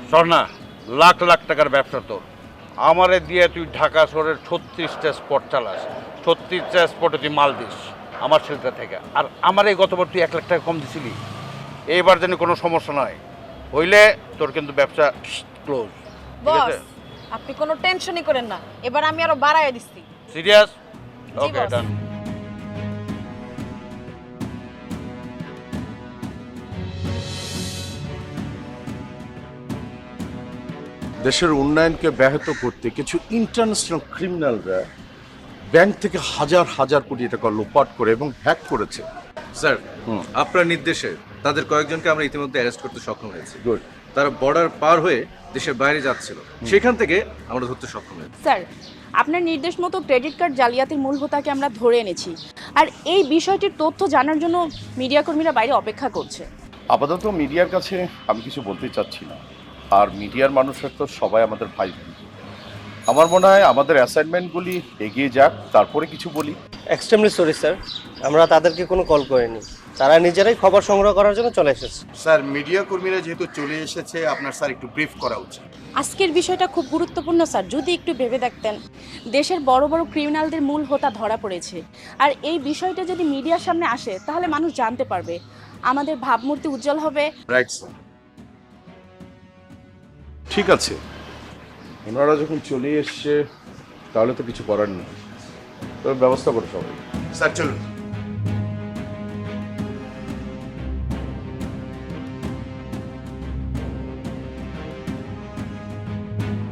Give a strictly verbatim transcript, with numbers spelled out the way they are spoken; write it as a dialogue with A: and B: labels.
A: স্বর্ণা, লাখ লাখ টাকার ব্যবসা তোর। আমারে দিয়ে তুই ঢাকা শহরের ছত্রিশটা স্পট চালাস, ছত্রিশটা স্পটে তুই মাল দিস আমার সেলটা থেকে। আর আমার এই গতবার তুই এক লাখ টাকা কম দিছিলি, এইবার যেন কোনো সমস্যা নয় হইলে তোর কিন্তু ব্যবসা ক্লোজ। ঠিক
B: বস
A: আছে?
B: আপনি কোনো টেনশনই করেন না, এবার আমি আরো বাড়ায় দিচ্ছি।
A: সিরিয়াস?
B: জি,
A: ওকে,
B: বস।
A: ডান।
C: দেশের উন্নয়নকে ব্যাহত করতে কিছু ইন্টারন্যাশনাল ক্রিমিনালরা ব্যাংক থেকে হাজার হাজার কোটি টাকা লোপাট করে এবং হ্যাক করেছে।
D: স্যার আপনার নির্দেশে তাদের কয়েকজনকে আমরা ইতিমধ্যে অ্যারেস্ট করতে সক্ষম হয়েছি।
C: গুড।
D: তারা বর্ডার পার হয়ে দেশের বাইরে যাচ্ছিল, সেখান থেকে আমরা ধরতে সক্ষম হয়েছি।
E: স্যার, আপনার নির্দেশ মতো ক্রেডিট কার্ড জালিয়াতির মূল হোতাকে আমরা ধরে এনেছি। আর এই বিষয়টির তথ্য জানার জন্য মিডিয়া কর্মীরা বাইরে অপেক্ষা করছে।
C: আপাতত মিডিয়ার কাছে আমি কিছু বলতে চাচ্ছি না, আর মিডিয়ার মানুষের তো সবাই আমাদের ভাই বোন। আমার মনে হয় আমাদের অ্যাসাইনমেন্টগুলি এগিয়ে যাক, তারপরে কিছু বলি।
F: এক্সট্রিমলি সরি স্যার, আমরা তাদেরকে কোনো কল করিনি, তারা নিজেরাই খবর সংগ্রহ করার জন্য চলে এসেছে।
G: স্যার, মিডিয়া কর্মীরা যেহেতু চলে এসেছে, আপনার স্যার একটু ব্রিফ করা উচিত।
E: আজকের বিষয়টা খুব গুরুত্বপূর্ণ স্যার, যদি একটু ভেবে দেখতেন। দেশের বড় বড় ক্রিমিনালদের মূল হোতা ধরা পড়েছে, আর এই বিষয়টা যদি মিডিয়ার সামনে আসে তাহলে মানুষ জানতে পারবে, আমাদের ভাবমূর্তি উজ্জ্বল হবে।
G: Right sir.
C: ঠিক আছে, ওনারা যখন চলে এসছে তাহলে তো কিছু করার নেই, তবে ব্যবস্থা করো সবাই।
G: স্যার চলুন।